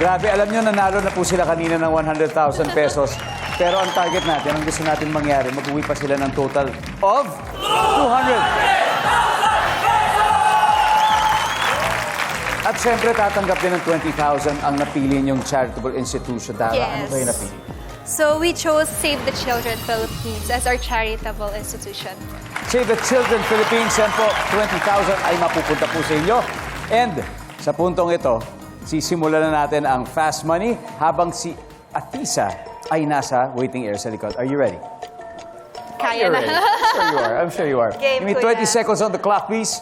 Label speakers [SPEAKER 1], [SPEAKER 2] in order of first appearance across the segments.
[SPEAKER 1] Grabe, alam nyo, nanalo na po sila kanina ng 100,000 pesos. Pero ang target natin, ang gusto natin mangyari, mag-uwi pa sila ng total of 200. At syempre, tatanggap din ng 20,000 ang napili niyong charitable institution. Tara, ano kayo napili?
[SPEAKER 2] So we chose Save the Children Philippines as our charitable institution.
[SPEAKER 1] Save the Children Philippines, yan po, 20,000 ay mapupunta po sa inyo. And sa puntong ito, sisimulan na natin ang Fast Money habang si Atisa ay nasa waiting area sa likod. Are you ready?
[SPEAKER 2] Kaya
[SPEAKER 1] You're
[SPEAKER 2] na.
[SPEAKER 1] ready. I'm sure you are.
[SPEAKER 2] Game,
[SPEAKER 1] Give me 20
[SPEAKER 2] kuya.
[SPEAKER 1] seconds on the clock, please.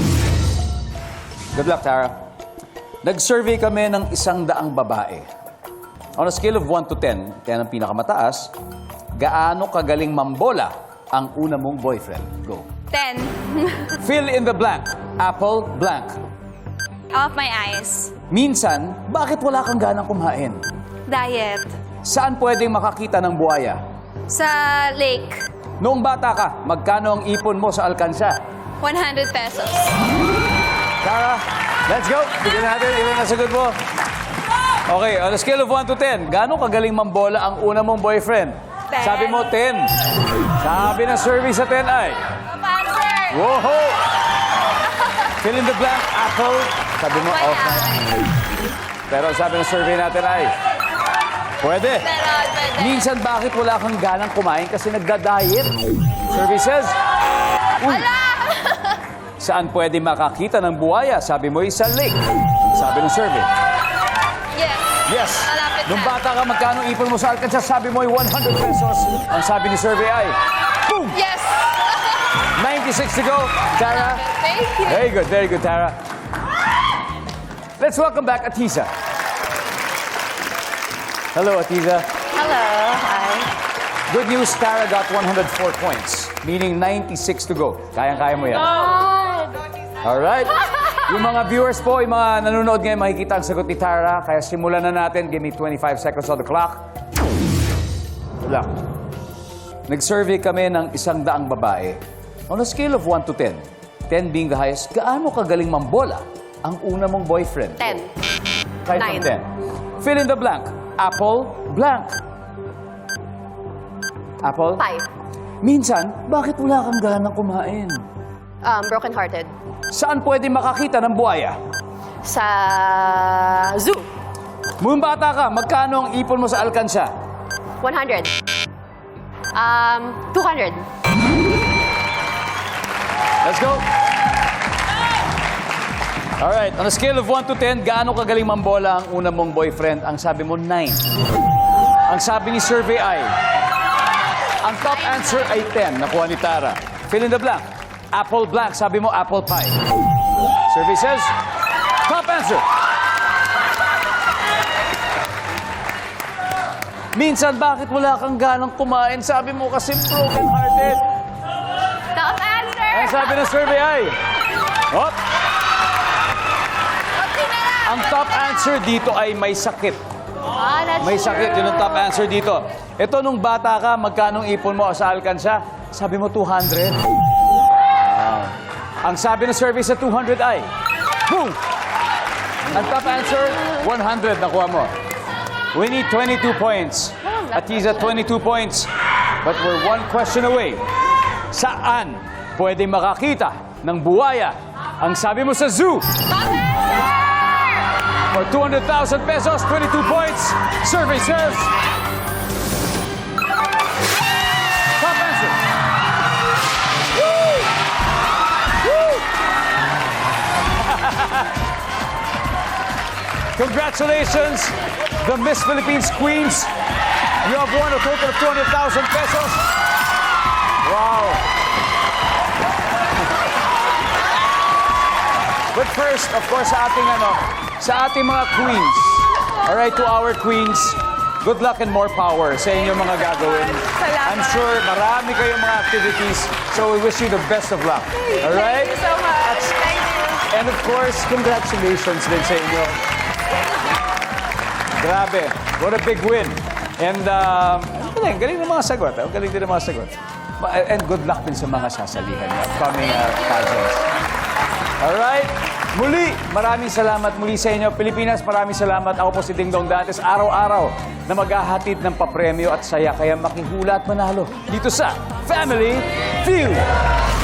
[SPEAKER 1] Good luck, Tara. Nag-survey kami ng 100 babae. On a scale of 1 to 10, 10 ang pinakamataas, gaano kagaling mambola ang una mong boyfriend? Go.
[SPEAKER 2] 10.
[SPEAKER 1] Fill in the blank. Apple, blank.
[SPEAKER 2] Off my eyes.
[SPEAKER 1] Minsan, bakit wala kang ganang kumain?
[SPEAKER 2] Diet.
[SPEAKER 1] Saan pwedeng makakita ng buhaya?
[SPEAKER 2] Sa lake.
[SPEAKER 1] Noong bata ka, magkano ang ipon mo sa alkansya?
[SPEAKER 2] 100 pesos.
[SPEAKER 1] Tara, let's go. Bigyan natin, ilan na sagot mo? Okay, on a scale of 1 to 10, gaano kagaling mambola ang una mong boyfriend?
[SPEAKER 2] 10.
[SPEAKER 1] Sabi mo 10. Sabi ng survey sa 10 ay...
[SPEAKER 2] Answer.
[SPEAKER 1] Whoa! Fill in the blank, apple. Sabi mo,
[SPEAKER 2] My
[SPEAKER 1] off.
[SPEAKER 2] eye.
[SPEAKER 1] Pero sabi ng survey natin ay... Pwede.
[SPEAKER 2] Pwede.
[SPEAKER 1] Minsan, bakit wala kang ganang kumain kasi nagda-diet? Survey says... Uy, saan pwede makakita ng buhaya? Sabi mo, sa lake. Sabi ng survey.
[SPEAKER 2] Yes.
[SPEAKER 1] Yes.
[SPEAKER 2] Malapit
[SPEAKER 1] Nung
[SPEAKER 2] na.
[SPEAKER 1] bata ka, magkano ipon mo sa alkansya? Sabi mo, 100 pesos. Ang sabi ni survey ay... Boom!
[SPEAKER 2] Yes.
[SPEAKER 1] 96 to go. Tara.
[SPEAKER 2] Thank you.
[SPEAKER 1] Very good, Tara. Let's welcome back Atisa. Hello, Atisa.
[SPEAKER 2] Hello. Hi.
[SPEAKER 1] Good news, Tara got 104 points, meaning 96 to go. Kayang-kaya mo yan. Alright. Yung mga viewers po, yung mga nanonood ngayon, makikita ang sagot ni Tara. Kaya simulan na natin. Give me 25 seconds on the clock. Good luck. Nag-survey kami ng 100 babae. On a scale of 1 to 10, 10 being the highest, gaano kagaling mambola ang una mong boyfriend?
[SPEAKER 2] 10.
[SPEAKER 1] Kahit from 10. Fill in the blank. Apple, blank. Apple?
[SPEAKER 2] 5.
[SPEAKER 1] Minsan, bakit wala kang ganang kumain?
[SPEAKER 2] Broken-hearted.
[SPEAKER 1] Saan pwede makakita ng buhaya?
[SPEAKER 2] Sa zoo.
[SPEAKER 1] Nung bata ka, magkano ang ipon mo sa alkansya?
[SPEAKER 2] 100. 200.
[SPEAKER 1] Let's go! Alright, on a scale of 1 to 10, gaano kagaling mambola ang una mong boyfriend? Ang sabi mo, 9. Ang sabi ni survey ay... Ang top answer ay 10. Nakuha ni Tara. Fill in the blank. Apple blank. Sabi mo, apple pie. Survey says, top answer. Minsan, bakit wala kang ganang kumain? Sabi mo kasi broken-hearted.
[SPEAKER 2] Top answer.
[SPEAKER 1] Ang sabi ng survey ay... Hop! Ang top answer dito ay may sakit. May sakit. Yun ang top answer dito. Ito, nung bata ka, magkanong ipon mo sa alkansya? Sabi mo, 200. Wow. Ang sabi ng survey sa 200 ay... Boom! Ang top answer, 100. Nakuha mo. We need 22 points. Atisa, 22 points. But we're one question away. Saan pwede makakita ng buhaya? Ang sabi mo sa zoo. For 200,000 pesos, 22 points. Survey says... Top answer. Woo! Woo! Congratulations, the Miss Philippines Queens. You have won a total of 200,000 pesos. Wow. But first, of course, sa ating mga queens. All right, to our queens, good luck and more power sa inyong mga gagawin.
[SPEAKER 2] Salamat.
[SPEAKER 1] I'm sure marami kayong mga activities, so we wish you the best of luck. All right?
[SPEAKER 2] Thank you so much. Thank you.
[SPEAKER 1] And of course, congratulations din sa inyo. Grabe, what a big win. And galing ng mga sagot. Galing din ng mga sagot. And good luck din sa mga sasalihan niya, upcoming pageants. All right? Muli, maraming salamat muli sa inyo. Pilipinas, maraming salamat. Ako po si Ding Dong Dantes. Araw-araw na maghahatid ng papremyo at saya. Kaya makihula at manalo dito sa Family Feud.